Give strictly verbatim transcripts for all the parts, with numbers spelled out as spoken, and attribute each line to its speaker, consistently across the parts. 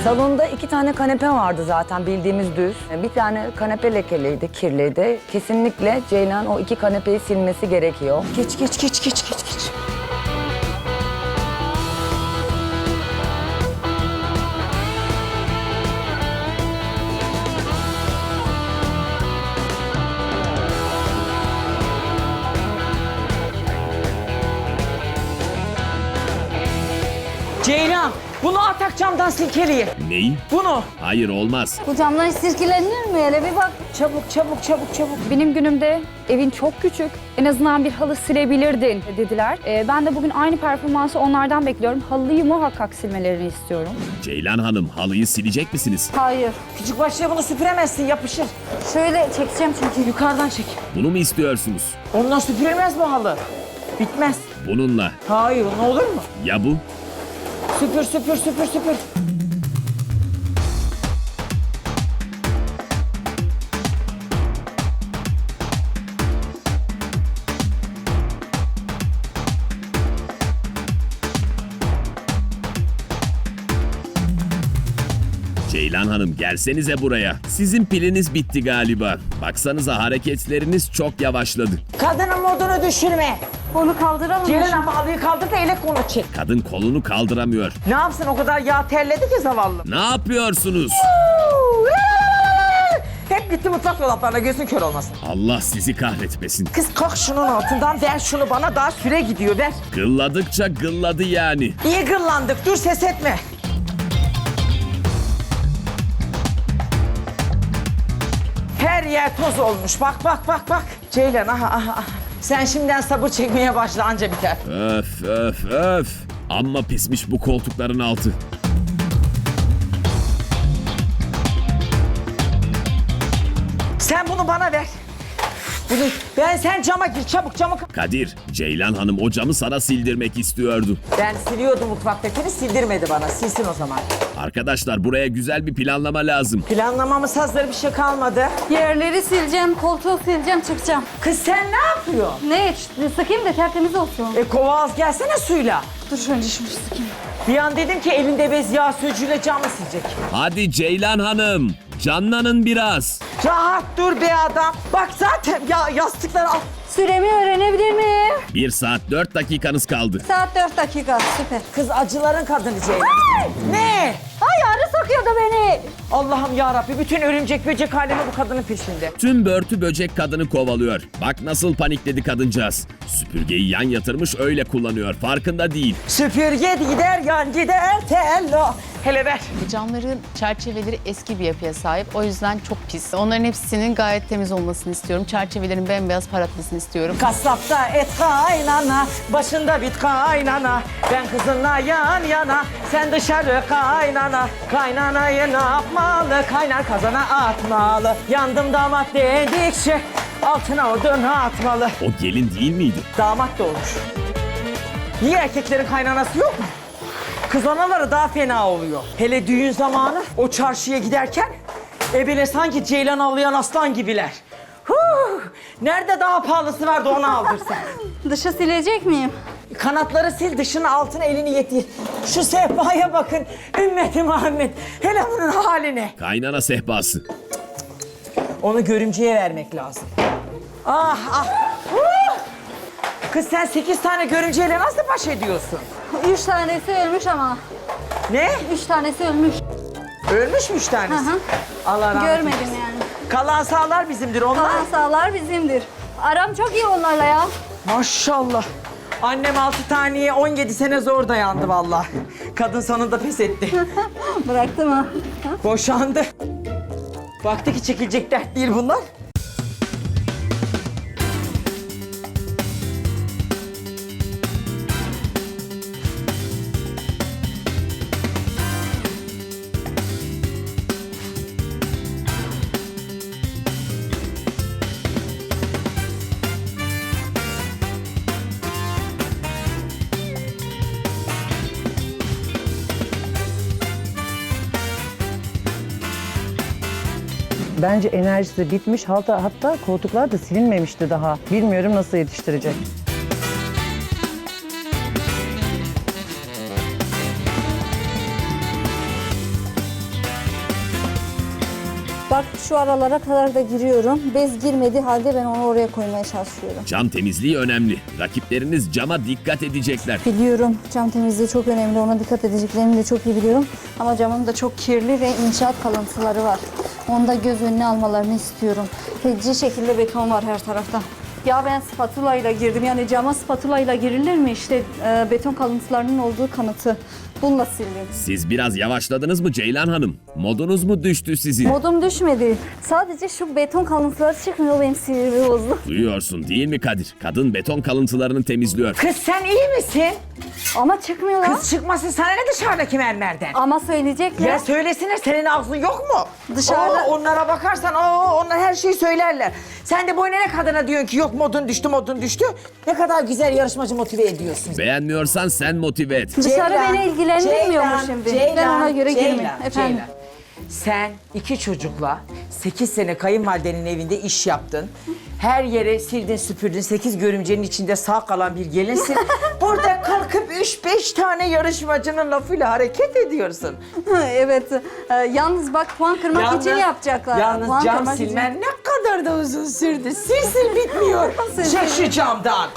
Speaker 1: Salonda iki tane kanepe vardı zaten bildiğimiz düz. Bir tane kanepe lekeliydi, kirliydi. Kesinlikle Ceylan o iki kanepeyi silmesi gerekiyor.
Speaker 2: Geç geç geç geç geç geç. Ceylan, bunu atak camdan silkeliye.
Speaker 3: Neyi?
Speaker 2: Bunu.
Speaker 3: Hayır olmaz.
Speaker 4: Bu camdan hiç sirkelenir mi? Hele bir bak.
Speaker 2: Çabuk çabuk çabuk çabuk.
Speaker 5: Benim günümde evin çok küçük, en azından bir halı silebilirdin dediler. Ee, ben de bugün aynı performansı onlardan bekliyorum. Halıyı muhakkak silmelerini istiyorum.
Speaker 3: Ceylan Hanım halıyı silecek misiniz?
Speaker 4: Hayır.
Speaker 2: Küçük başlığa bunu süpüremezsin, yapışır.
Speaker 4: Şöyle çekeceğim çünkü.
Speaker 2: Yukarıdan çek.
Speaker 3: Bunu mu istiyorsunuz?
Speaker 2: Ondan süpürülmez bu halı. Bitmez.
Speaker 3: Bununla.
Speaker 2: Hayır, ne olur mu?
Speaker 3: Ya bu?
Speaker 2: Süpür süpür süpür süpür.
Speaker 3: Ceylan Hanım gelsenize buraya. Sizin piliniz bitti galiba. Baksanıza hareketleriniz çok yavaşladı.
Speaker 2: Kadının modunu düşürme.
Speaker 4: Onu kaldıralım.
Speaker 2: Ceylan ama halıyı kaldır da elek onu çek.
Speaker 3: Kadın kolunu kaldıramıyor.
Speaker 2: Ne yapsın, o kadar yağ terledi ki zavallı.
Speaker 3: Ne yapıyorsunuz?
Speaker 2: Hep gitti mutfak dolaplarına, gözün kör olmasın.
Speaker 3: Allah sizi kahretmesin.
Speaker 2: Kız kalk şunun altından, ver şunu bana, daha süre gidiyor, ver.
Speaker 3: Gılladıkça gılladı yani.
Speaker 2: İyi gırlandık, dur ses etme. Her yer toz olmuş, bak bak bak bak. Ceylan aha aha aha. Sen şimdiden sabır çekmeye başla, anca biter.
Speaker 3: Öf öf öf. Amma pismiş bu koltukların altı.
Speaker 2: Sen bunu bana ver. Bunu, ben sen cama gir, çabuk camı.
Speaker 3: Kadir, Ceylan Hanım o camı sana sildirmek istiyordu.
Speaker 2: Ben siliyordum mutfaktakini, sildirmedi bana. Silsin o zaman.
Speaker 3: Arkadaşlar buraya güzel bir planlama lazım.
Speaker 2: Planlamamız hazır, bir şey kalmadı.
Speaker 4: Yerleri sileceğim, koltuğu sileceğim, çıkacağım.
Speaker 2: Kız sen ne yapıyorsun?
Speaker 4: Ne? Sıkayım da tertemiz olsun.
Speaker 2: E kova az gelsene suyla.
Speaker 4: Dur önce şunu sıkayım.
Speaker 2: Bir an dedim ki elinde bez yağ sürücüyle camı silecek.
Speaker 3: Hadi Ceylan Hanım, canlanın biraz.
Speaker 2: Rahat dur be adam. Bak zaten ya yastıkları al.
Speaker 4: Süremi öğrenebilir miyim?
Speaker 3: Bir saat dört dakikanız kaldı.
Speaker 4: Saat dört dakika, süper.
Speaker 2: Kız acıların kadını Ceylan. Ne?
Speaker 4: Ay arı sokuyordu beni.
Speaker 2: Allah'ım yarabbi, bütün örümcek böcek alemi bu kadının peşinde.
Speaker 3: Tüm börtü böcek kadını kovalıyor. Bak nasıl panikledi kadıncağız. Süpürgeyi yan yatırmış öyle kullanıyor. Farkında değil.
Speaker 2: Süpürge gider yan gider tello. Hele ver.
Speaker 6: Camların çerçeveleri eski bir yapıya sahip. O yüzden çok pis. Onların hepsinin gayet temiz olmasını istiyorum. Çerçevelerin bembeyaz parlatmasını istiyorum.
Speaker 2: Kasapta et kaynana, başında bit kaynana. Ben kızınla yan yana, sen dışarı kaynana. Kaynanayı ne yapmalı, kaynar kazana atmalı. Yandım damat dedikçe, altına odun atmalı.
Speaker 3: O gelin değil miydi?
Speaker 2: Damat da olur. Niye erkeklerin kaynanası yok mu? Kız anaları daha fena oluyor. Hele düğün zamanı o çarşıya giderken ebele sanki ceylan avlayan aslan gibiler. Huh! Nerede daha pahalısı vardı onu aldırsan.
Speaker 4: Dışı silecek miyim?
Speaker 2: Kanatları sil, dışını altına elini yetir. Şu sehpaya bakın. Ümmeti Muhammed. Hele bunun haline.
Speaker 3: Kaynana sehpası.
Speaker 2: Onu görümceye vermek lazım. Ah ah. Huh! Kız sen sekiz tane görümceyle nasıl baş ediyorsun?
Speaker 4: Üç tanesi ölmüş ama.
Speaker 2: Ne?
Speaker 4: Üç tanesi ölmüş.
Speaker 2: Ölmüş mü üç tanesi?
Speaker 4: Hı hı.
Speaker 2: Allah rahmet
Speaker 4: Görmedim
Speaker 2: eylesin.
Speaker 4: yani.
Speaker 2: Kalan sağlar bizimdir onlar.
Speaker 4: Kalan sağlar bizimdir. Aram çok iyi onlarla ya.
Speaker 2: Maşallah. Annem altı taneye on yedi sene zor dayandı vallahi. Kadın sonunda pes etti.
Speaker 4: Bıraktı mı?
Speaker 2: Boşandı. Baktı ki çekilecek dert değil bunlar.
Speaker 1: Bence enerjisi bitmiş. Hatta, hatta koltuklar da silinmemişti daha. Bilmiyorum nasıl yetiştirecek.
Speaker 4: Bak şu aralara kadar da giriyorum. Bez girmediği halde ben onu oraya koymaya çalışıyorum.
Speaker 3: Cam temizliği önemli. Rakipleriniz cama dikkat edecekler.
Speaker 4: Biliyorum cam temizliği çok önemli. Ona dikkat edeceklerini de çok iyi biliyorum. Ama camım da çok kirli ve inşaat kalıntıları var. Onu da göz önüne almalarını istiyorum. Feci şekilde beton var her tarafta. Ya ben spatula ile girdim. Yani cama spatula ile girilir mi? İşte e, beton kalıntılarının olduğu kanıtı. Bununla sildim.
Speaker 3: Siz biraz yavaşladınız mı Ceylan Hanım? Modunuz mu düştü sizin?
Speaker 4: Modum düşmedi. Sadece şu beton kalıntıları çıkmıyor, benim sinirimi bozdu.
Speaker 3: Duyuyorsun değil mi Kadir? Kadın beton kalıntılarını temizliyor.
Speaker 2: Kız sen iyi misin?
Speaker 4: Ama çıkmıyorlar.
Speaker 2: Kız çıkmasın sana ne dışarıdaki mermerden?
Speaker 4: Ama söyleyecekler.
Speaker 2: Ya söylesinler, senin ağzın yok mu?
Speaker 4: Dışarıda-
Speaker 2: Oo, onlara bakarsan oo, onlar her şeyi söylerler. Sen de boyuna ne kadına diyorsun ki yok modun düştü modun düştü. Ne kadar güzel yarışmacı motive ediyorsun.
Speaker 3: Beğenmiyorsan sen motive et.
Speaker 4: Dışarı
Speaker 2: Ceylan,
Speaker 4: beni ilgilendirmiyor mu
Speaker 2: Ceylan,
Speaker 4: şimdi?
Speaker 2: Ceylan,
Speaker 4: Ben ona göre
Speaker 2: Ceylan,
Speaker 4: girmeyeyim. Efendim.
Speaker 2: Ceylan. Sen iki çocukla sekiz sene kayınvalidenin evinde iş yaptın. Her yere sildin süpürdün. Sekiz görümcenin içinde sağ kalan bir gelinsin. Burada kalkıp üç beş tane yarışmacının lafıyla hareket ediyorsun.
Speaker 4: Evet. Ee, yalnız bak puan kırmak için yapacaklar.
Speaker 2: Yalnız
Speaker 4: Puan
Speaker 2: cam
Speaker 4: kırmak için.
Speaker 2: silmen ne kadar da uzun sürdü. Sil sil bitmiyor. Çek şu camdan.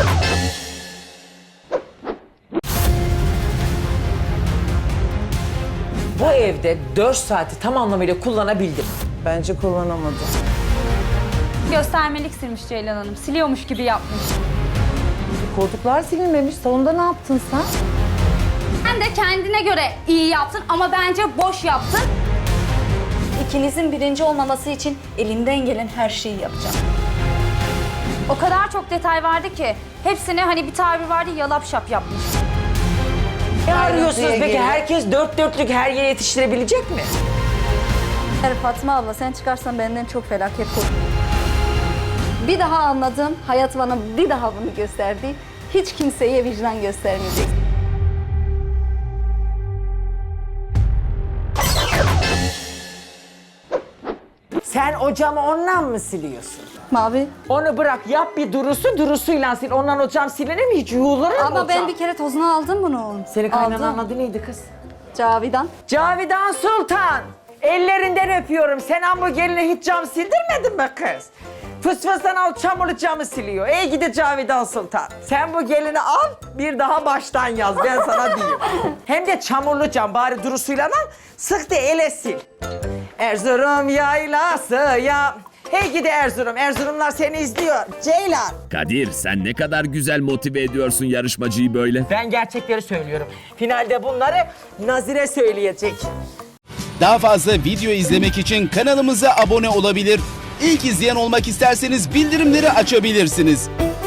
Speaker 2: Bu evde dört saati tam anlamıyla kullanabildim. Bence kullanamadım.
Speaker 5: Göstermelik silmiş Ceylan Hanım. Siliyormuş gibi yapmış.
Speaker 1: Koltuklar silinmemiş. Salonda ne yaptın sen?
Speaker 5: Sen de kendine göre iyi yaptın ama bence boş yaptın.
Speaker 4: İkinizin birinci olmaması için elimden gelen her şeyi yapacağım.
Speaker 5: O kadar çok detay vardı ki hepsini hani bir tabir vardı yalap şap yapmış.
Speaker 2: Ne arıyorsunuz peki?
Speaker 4: geliyor.
Speaker 2: Herkes dört dörtlük her yere yetiştirebilecek mi?
Speaker 4: Eğer Fatma abla sen çıkarsan benden çok felaket korkuyorum. Bir daha anladım, hayat bana bir daha bunu gösterdi. Hiç kimseye vicdan göstermeyecek.
Speaker 2: Sen o camı ondan mı siliyorsun?
Speaker 4: Mavi.
Speaker 2: Onu bırak, yap bir durusu, durusuyla sil. Ondan o cam silinir mi? Hiç yuğulur mu
Speaker 4: Ama
Speaker 2: o
Speaker 4: ben
Speaker 2: cam?
Speaker 4: bir kere tozunu aldım bunu.
Speaker 2: Senin kaynananın
Speaker 4: Aldım.
Speaker 2: adı neydi kız?
Speaker 4: Cavidan.
Speaker 2: Cavidan Sultan. Ellerinden öpüyorum. Sen amma geline hiç cam sildirmedin mi kız? Fıs fıstan al çamurlu camı siliyor. Ey gidi Cavidan Sultan. Sen bu gelini al, bir daha baştan yaz. Ben sana diyeyim. Hem de çamurlu cam. Bari durusuyla al, sık da ele sil. Erzurum yaylası ya. Hey gidi Erzurum. Erzurumlar seni izliyor. Ceylan.
Speaker 3: Kadir sen ne kadar güzel motive ediyorsun yarışmacıyı böyle.
Speaker 2: Ben gerçekleri söylüyorum. Finalde bunları Nazire söyleyecek.
Speaker 7: Daha fazla video izlemek için kanalımıza abone olabilir. İlk izleyen olmak isterseniz bildirimleri açabilirsiniz.